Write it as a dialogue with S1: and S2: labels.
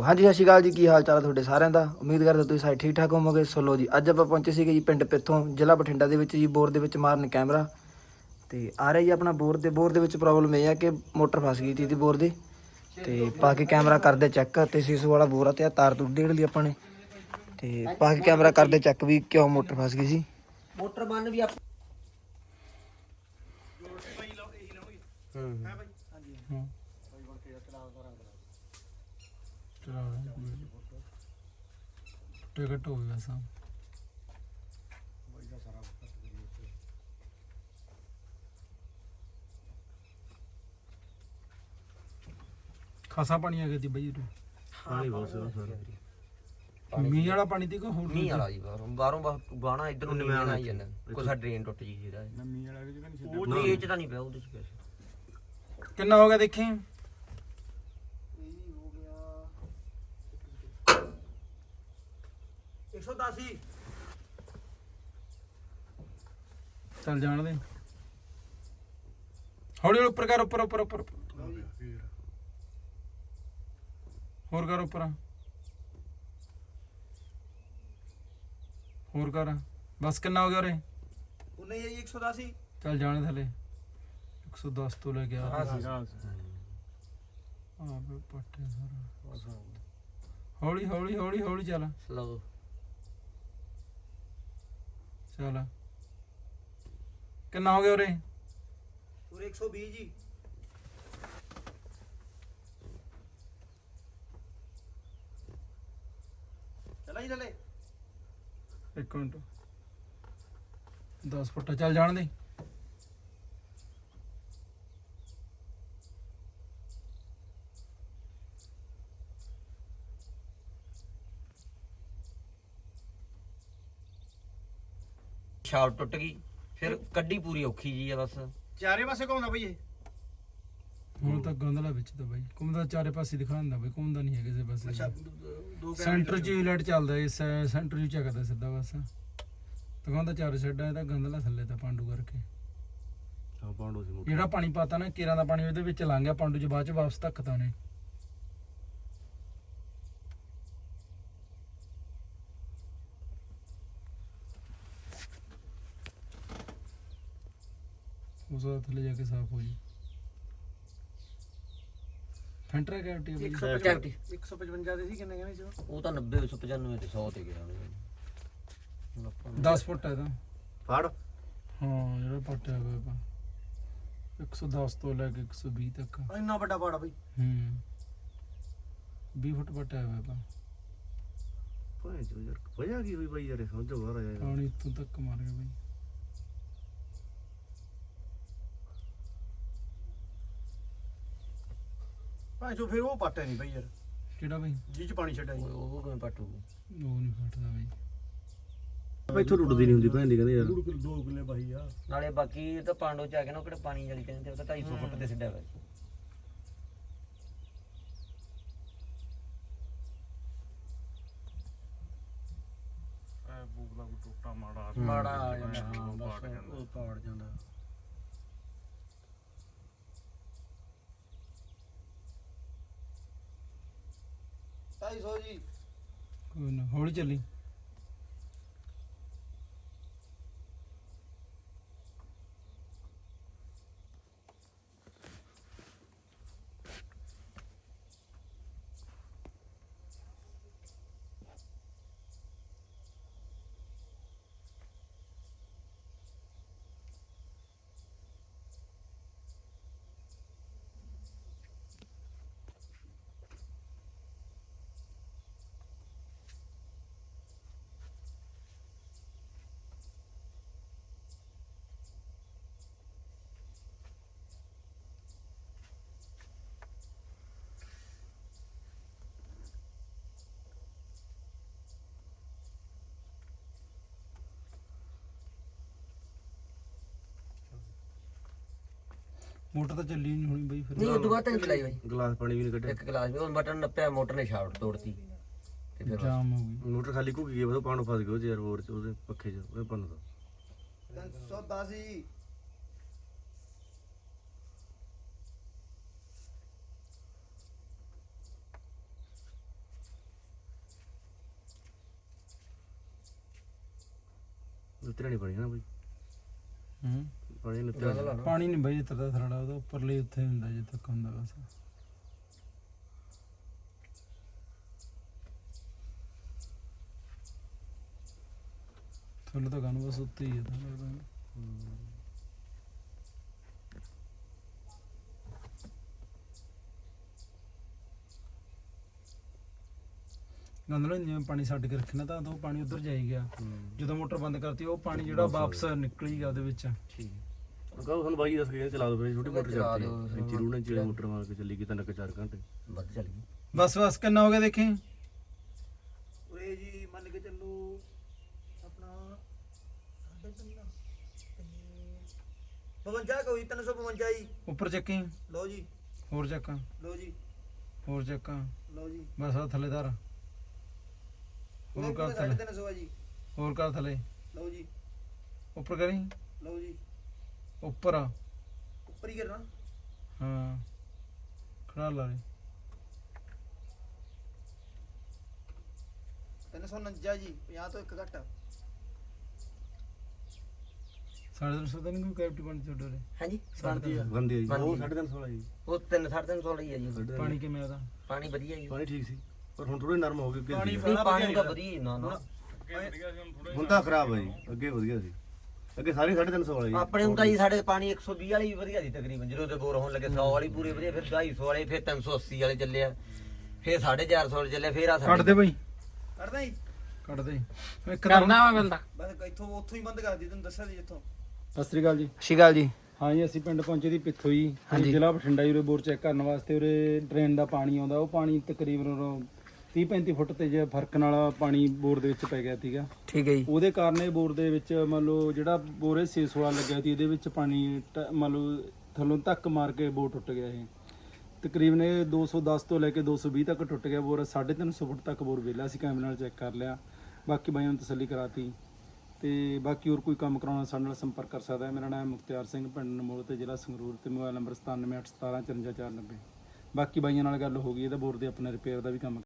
S1: ਹਾਂਜੀ ਸਤਿ ਸ਼੍ਰੀ ਅਕਾਲ ਜੀ, ਕੀ ਹਾਲ ਚਾਲ ਹੈ ਤੁਹਾਡੇ ਸਾਰਿਆਂ ਦਾ। ਉਮੀਦ ਕਰਦਾ ਤੁਸੀਂ ਸਾਰੇ ਠੀਕ ਠਾਕ ਹੋਵੋਗੇ। ਸੋ ਲੋ ਜੀ, ਅੱਜ ਆਪਾਂ ਪਹੁੰਚੇ ਸੀਗੇ ਜੀ ਪਿੰਡ ਪਿੱਥੋਂ, ਜ਼ਿਲ੍ਹਾ ਬਠਿੰਡਾ ਦੇ ਵਿੱਚ ਜੀ, ਬੋਰ ਦੇ ਵਿੱਚ ਮਾਰਨ ਕੈਮਰਾ। ਤੇ ਆ ਰਿਹਾ ਜੀ ਆਪਣਾ ਬੋਰ ਦੇ ਵਿੱਚ ਪ੍ਰੋਬਲਮ ਇਹ ਆ ਕਿ ਮੋਟਰ ਫਸ ਗਈ ਸੀ ਬੋਰ ਦੀ। ਤੇ ਪਾ ਕੇ ਕੈਮਰਾ ਕਰਦੇ ਚੈੱਕ, ਤੇ ਸੀਸੂ ਵਾਲਾ ਬੋਰ ਆ ਤੇ ਤਾਰ ਤੁਰ ਡੇੜ ਲਈ ਆਪਾਂ ਨੇ। ਤੇ ਪਾ ਕੇ ਕੈਮਰਾ ਕਰਦੇ ਚੈੱਕ ਵੀ ਕਿਉਂ ਮੋਟਰ ਫਸ ਗਈ ਸੀ।
S2: ਮੋਟਰ ਬੰਨ ਵੀ ਆਪਾਂ
S3: ਟਿਕਟ ਹੋ ਗਿਆ ਸਾ ਖਾਸਾ ਪਾਣੀ ਆ ਗਿਆ ਸੀ ਬਈ।
S2: ਪਾਣੀ ਬਹੁਤ ਸਰ
S3: ਮੀਂਹ ਵਾਲਾ ਪਾਣੀ ਦੀ ਕੋ ਹੋਰ
S2: ਮੀਂਹ ਵਾਲਾ ਜੀ ਬਾਹਰੋਂ ਗਾਣਾ ਇੱਧਰ ਨੂੰ ਨਹੀਂ ਆਈ ਜਾਂਦਾ ਕੋਈ ਸਾ ਡਰੇਨ ਟੁੱਟ ਜੀ ਇਹਦਾ
S3: ਮੀਂਹ ਵਾਲਾ ਜਗ੍ਹਾ ਨਹੀਂ
S2: ਉਹ ਨਹੀਂ ਇਹ ਚ ਤਾਂ ਨਹੀਂ ਪਿਆ ਉਹਦੇ ਚ ਪਿਆ
S3: ਕਿੰਨਾ ਹੋ ਗਿਆ ਦੇਖੀ।
S1: ਹੋ ਗਿਆ 110
S3: ਚੱਲ ਜਾਣ ਦੇ ਹੌਲੀ ਹੌਲੀ ਉੱਪਰ ਕਰ ਉੱਪਰ ਉੱਪਰ ਉੱਪਰ ਹੋਰ ਕਰ ਉੱਪਰ ਹੋਰ ਕਰ ਬਸ ਕਿੰਨਾ ਹੋ ਗਿਆ ਉਰੇ
S1: ਉਹਨੇ ਜੀ 110
S3: ਚੱਲ ਜਾਣ ਥੱਲੇ 110 ਤੋਂ ਲੈ ਕੇ ਆ ਪੱਟੇ ਸਾਰਾ ਹੌਲੀ ਹੌਲੀ ਹੌਲੀ ਹੌਲੀ ਚੱਲ
S2: ਸਲੋ
S3: ਚੱਲ ਕਿੰਨਾ ਹੋ ਗਿਆ ਉਰੇ
S1: ਪੂਰੇ 120 ਜੀ। ਚਲਾ ਜੀ ਥੱਲੇ
S3: ਇੱਕ ਮਿੰਟ 10 ਫੁੱਟ ਚੱਲ ਜਾਣ ਦੇ
S2: ਸ਼ਾਫਟ ਟੁੱਟ ਗਈ ਫਿਰ ਕੱਢੀ ਪੂਰੀ ਔਖੀ ਜੀ ਆ ਬਸ
S1: ਚਾਰੇ ਪਾਸੇ ਘੁੰਮਦਾ ਬਈ ਇਹ।
S3: ਹੁਣ ਤਾਂ ਗੰਦਲਾ ਵਿੱਚ ਤਾਂ ਬਾਈ ਘੁੰਮਦਾ ਚਾਰੇ ਪਾਸੇ ਦਿਖਾਉਂਦਾ ਬਾਈ ਘੁੰਮਦਾ ਨਹੀਂ ਹੈ ਕਿਸੇ ਪਾਸੇ ਸੈਂਟਰ 'ਚ ਲਾਈਟ ਚੱਲਦਾ ਇਸ ਸੈਂਟਰ 'ਚ ਚੱਕਦਾ ਸਿੱਧਾ ਬਸ ਦਿਖਾਉਂਦਾ ਚਾਰੇ ਸਾਈਡਾਂ ਇਹਦਾ ਗੰਦਲਾ ਥੱਲੇ ਤਾਂ ਪਾਂਡੂ ਕਰਕੇ
S4: ਹਾਂ ਪਾਂਡੂ ਸੀ
S3: ਜਿਹੜਾ ਪਾਣੀ ਪਾਤਾ ਨਾ ਕੇਰਾਂ ਦਾ ਪਾਣੀ ਉਹਦੇ ਵਿੱਚ ਲੰਘ ਗਿਆ ਪਾਂਡੂ 'ਚ ਬਾਅਦ 'ਚ ਵਾਪਸ ਧੱਕਤਾ ਉਹਨੇ ਉਸ ਦਾ ਥੱਲੇ ਜਾ ਕੇ ਸਾਫ਼ ਹੋ ਜੀ ਫੈਂਟਰਾ ਕੈਵਟੀ
S1: 155 ਦੇ ਸੀ ਕਿੰਨੇ ਕਹਿੰਦੇ ਸੀ
S2: ਉਹ ਤਾਂ 90 195 ਤੇ 100 ਤੇ ਗਿਆ
S3: 10 ਫੁੱਟ ਹੈ ਇਹਦਾ
S4: ਫੜ
S3: ਹਾਂ ਜਿਹੜਾ ਪੱਟਿਆ ਹੋਇਆ 110 ਤੋਂ ਲੈ ਕੇ 120 ਤੱਕ
S1: ਇੰਨਾ ਵੱਡਾ ਪਾੜਾ ਬਈ।
S3: 20 ਫੁੱਟ ਪੱਟਿਆ ਹੋਇਆ ਪਾ
S4: ਭਾਈ ਜੋ ਯਾਰ ਵਜ੍ਹਾ ਕੀ ਹੋਈ ਬਾਈ ਯਾਰ ਸਮਝੋ ਬਾਹਰ ਆਇਆ
S3: ਪਾਣੀ ਇੱਥੋਂ ਤੱਕ ਮਾਰ ਗਿਆ ਬਈ
S1: ਭਾਈ ਜੋ ਫਿਰ ਉਹ ਪਾਟਿਆ ਨਹੀਂ ਬਈ ਯਾਰ,
S3: ਕਿਹੜਾ ਬਈ
S1: ਜੀ ਚ ਪਾਣੀ ਛੱਡਿਆ ਜੀ।
S2: ਉਹ ਕਿਵੇਂ ਪੱਟੂ
S3: ਉਹ ਨਹੀਂ ਫਟਦਾ ਬਈ
S4: ਇੱਥੋਂ ਟੁੱਟਦੀ ਨਹੀਂ ਹੁੰਦੀ ਭੈਣ ਦੀ ਕਹਿੰਦੇ ਯਾਰ
S1: 2 ਕਿੱਲੇ ਬਾਈ ਆ
S2: ਨਾਲੇ ਬਾਕੀ ਤਾਂ ਪਾਂਡੋ ਚ ਆ ਕੇ ਨਾ ਉਹ ਕਿਹੜਾ ਪਾਣੀ ਵਾਲੀ ਕਹਿੰਦੇ ਉਹ ਤਾਂ 250 ਫੁੱਟ ਤੇ ਸਿੱਧਾ ਵਾ
S1: ਮਾੜਾ ਆ ਜਾਂਦਾ। ਹਾਂ ਬਸ ਉਹ ਪਾੜ ਜਾਂਦਾ। ਢਾਈ ਸੌ ਜੀ।
S3: ਕੋਈ ਨਾ ਹੌਲੀ ਚੱਲੀ ਮੋਟਰ ਤਾਂ ਚੱਲੀ ਨਹੀਂ ਹੋਣੀ ਬਈ ਫਿਰ
S2: ਨਹੀਂ ਉਹ ਤੋਂ ਬਾਅਦ ਤਾਂ ਨਹੀਂ ਚਲਾਈ ਬਾਈ
S4: ਗਲਾਸ ਪਾਣੀ ਵੀ ਨਹੀਂ ਕੱਢਿਆ
S2: ਇੱਕ ਗਲਾਸ ਵੀ ਉਹ ਬਟਨ ਨੱਪਿਆ ਮੋਟਰ ਨੇ ਸ਼ਾਫਟ ਤੋੜਤੀ ਤੇ ਫਿਰ ਬਸ
S3: ਜਾਮ ਹੋ ਗਈ
S4: ਮੋਟਰ ਖਾਲੀ ਘੁੱਕ ਗਈ ਬਸ ਪਾਣੀ ਫਸ ਗਿਆ ਉਹ 'ਚ ਯਾਰ ਹੋਰ 'ਚ ਉਹਦੇ ਪੱਖੇ 'ਚ ਉਹ ਪੰਨ ਦਾ
S1: 310 ਜੀ।
S4: ਨੁੱਤਰਿਆ ਨਹੀਂ ਪਾਣੀ ਨਾ ਬਾਈ,
S3: ਹੂੰ
S4: ਪਾਣੀ ਨੁੱਤਰਿਆ
S3: ਪਾਣੀ ਨਹੀਂ ਬਾਈ ਜਿੱਥੇ ਦਾ ਥਰੜਾ ਉਹਦਾ ਉੱਪਰਲੇ ਉੱਥੇ ਹੁੰਦਾ ਜਿੱਥੇ ਤੱਕ ਹੁੰਦਾ ਬਸ। ਥੱਲੇ ਤਾਂ ਗਾਨੂੰ ਬਸ ਉੱਤੇ ਹੀ ਹੈ ਤਾਂ ਲੱਗਦਾ। ਗੰਦਲਾ ਜਿਵੇਂ ਪਾਣੀ ਛੱਡ ਕੇ ਰੱਖਣਾ ਤਾਂ ਉਹ ਪਾਣੀ ਉਧਰ ਜਾਈ ਗਿਆ, ਜਦੋਂ ਮੋਟਰ ਬੰਦ ਕਰਤੀ ਉਹ ਪਾਣੀ ਜਿਹੜਾ ਵਾਪਸ ਨਿਕਲੀ ਗਿਆ ਉਹਦੇ ਵਿੱਚ।
S2: ਠੀਕ
S4: ਕਹੋ ਸਾਨੂੰ ਬਾਈ ਦੱਸ ਕੇ ਚਲਾ ਦੋ ਫਿਰ ਛੋਟੀ ਮੋਟਰ
S2: ਚਲਾ
S4: ਚੱਲਦੀ
S2: ਦਿਓ।
S4: ਇੰਚੀ ਰੂਣੇ ਚਿਲੇ ਮੋਟਰ ਮਾਰ ਕੇ ਚੱਲੀ ਗਈ 3-4 ਘੰਟੇ।
S2: ਵੱਧ ਚੱਲ ਗਈ।
S3: ਬਸ ਬਸ ਕਿੰਨਾ ਹੋ ਗਿਆ ਦੇਖੀ।
S1: ਉਰੇ ਜੀ ਮੰਨ ਕੇ ਚੱਲੋ ਆਪਣਾ 52 ਕੋਈ 352 ਜੀ।
S3: ਉੱਪਰ ਚੱਕੀ,
S1: ਲਓ ਜੀ,
S3: ਹੋਰ ਚੱਕਾਂ,
S1: ਲਓ ਜੀ,
S3: ਹੋਰ ਚੱਕਾਂ,
S1: ਲਓ ਜੀ।
S3: ਬਸ ਆ ਥੱਲੇਦਾਰ, ਹੋਰ ਕਰ ਥੱਲੇ,
S1: 350 ਜੀ।
S3: ਹੋਰ ਕਰ ਥੱਲੇ,
S1: ਲਓ ਜੀ,
S3: ਉੱਪਰ ਕਰੀ,
S1: ਲਓ ਜੀ,
S3: ਉੱਪਰ ਆ,
S1: ਉੱਪਰ ਹੀ ਕਰਨਾ।
S3: ਹਾਂ ਖੜਾ ਲਾ ਲੈ।
S1: 349 ਜੀ, 50 ਤੋਂ 1 ਘੱਟ।
S3: 350 ਤਾਂ ਨਹੀਂ ਕੋਈ ਕੈਪਟੀ ਬਣ ਛੋਟੋ ਰੇ
S2: ਹਾਂਜੀ
S3: ਬਣਦੀ ਆ।
S4: ਬੰਦੀ ਆ ਜੀ, ਉਹ
S2: ਬੰਦੀ।
S4: 350 ਜੀ।
S2: ਉਹ 3-350 ਲਈ ਆ ਜੀ।
S3: ਪਾਣੀ ਕਿਵੇਂ ਉਹਦਾ?
S2: ਪਾਣੀ ਵਧੀਆ ਜੀ।
S4: ਪਾਣੀ ਠੀਕ ਸੀ ਪਰ ਹੁਣ ਥੋੜੇ ਨਰਮ ਹੋ ਗਏ ਅੱਗੇ ਸੀ।
S2: ਨਹੀਂ ਪਾਣੀ ਤਾਂ ਵਧੀਆ ਜੀ, ਨਾ ਨਾ
S4: ਹੁਣ ਤਾਂ ਖਰਾਬ ਹੈ ਜੀ, ਅੱਗੇ ਵਧੀਆ ਸੀ, ਅੱਗੇ ਸਾਰੇ 350 ਵਾਲਾ ਜੀ।
S2: ਆਪਣੇ ਹੁੰਦਾ ਜੀ ਸਾਡੇ ਪਾਣੀ 120 ਵਾਲੀ ਵੀ ਵਧੀਆ ਸੀ ਤਕਰੀਬਨ, ਜਦੋਂ ਤੇ ਬੋਰ ਹੋਣ ਲੱਗੇ 100 ਵਾਲੀ ਪੂਰੇ ਵਧੀਆ, ਫਿਰ 250 ਵਾਲੇ, ਫਿਰ 380 ਵਾਲੇ ਚੱਲੇ ਆ, ਫਿਰ 450 ਵਾਲੇ ਚੱਲੇ, ਫਿਰ ਆ
S3: ਕੱਢ ਦੇ ਬਈ,
S1: ਕਰਦਾ ਜੀ,
S3: ਕੱਢ ਦੇ ਇੱਕ ਕਰਨਾ ਵਾ ਬੰਦਾ।
S1: ਬਸ ਇੱਥੋਂ ਉੱਥੋਂ ਹੀ ਬੰਦ ਕਰ ਦਿੱਤੀ, ਤੁਹਾਨੂੰ ਦੱਸਿਆ ਸੀ ਜਿੱਥੋਂ।
S3: ਸਤਿ ਸ੍ਰੀ ਅਕਾਲ ਜੀ।
S1: ਸਤਿ ਸ਼੍ਰੀ ਅਕਾਲ ਜੀ।
S3: ਹਾਂ ਜੀ ਅਸੀਂ ਪਿੰਡ ਪਹੁੰਚੇ ਦੀ ਪਿੱਥੋਂ ਜੀ,
S1: ਹਾਂਜੀ।
S3: ਜ਼ਿਲ੍ਹਾ ਬਠਿੰਡਾ ਜੀ। ਉਰੇ ਬੋਰ ਚੈੱਕ ਕਰਨ ਵਾਸਤੇ ਉਰੇ ਡਰੇਨ ਦਾ ਪਾਣੀ ਆਉਂਦਾ, ਉਹ ਪਾਣੀ ਤਕਰੀਬਨ 30-35 ਫੁੱਟ ਤੇ ਜੇ ਫਰਕ ਨਾਲ ਪਾਣੀ ਬੋਰ ਦੇ ਵਿੱਚ ਪੈ ਗਿਆ ਸੀਗਾ।
S1: ਠੀਕ ਹੈ ਜੀ।
S3: ਉਹਦੇ ਕਾਰਨ ਇਹ ਬੋਰ ਦੇ ਵਿੱਚ ਮੰਨ ਲਓ ਜਿਹੜਾ ਬੋਰ ਇਹ 616 ਲੱਗਿਆ ਸੀ, ਇਹਦੇ ਵਿੱਚ ਪਾਣੀ ਮੰਨ ਲਓ ਥੱਲੋਂ ਧੱਕ ਮਾਰ ਕੇ ਬੋਰ ਟੁੱਟ ਗਿਆ। ਇਹ ਤਕਰੀਬਨ ਇਹ 210 ਤੋਂ ਲੈ ਕੇ 220 ਤੱਕ ਟੁੱਟ ਗਿਆ ਬੋਰ। 350 ਫੁੱਟ ਤੱਕ ਬੋਰ ਵਿਹਲਾ ਸੀ, ਕੈਮਰੇ ਨਾਲ ਚੈੱਕ ਕਰ ਲਿਆ, ਬਾਕੀ ਬਾਈਆਂ ਨੂੰ ਤਸੱਲੀ ਕਰਾਤੀ। ਤੇ ਬਾਕੀ ਹੋਰ ਕੋਈ ਕੰਮ ਕਰਾਉਣਾ ਸਾਡੇ ਨਾਲ ਸੰਪਰਕ ਕਰ ਸਕਦਾ ਹੈ। ਮੇਰਾ ਨਾਮ ਮੁਖਤਿਆਰ ਸਿੰਘ, ਪਿੰਡ ਨਮੋਲ ਤੇ ਜ਼ਿਲ੍ਹਾ ਸੰਗਰੂਰ, ਤੇ ਮੋਬਾਈਲ ਨੰਬਰ 9781175490। ਬਾਕੀ ਬਾਈਆਂ ਨਾਲ ਗੱਲ ਹੋ ਗਈ, ਇਹਦਾ ਬੋਰ ਦੇ ਆਪਣੇ ਰਿਪੇਅਰ ਦਾ ਵੀ ਕੰਮ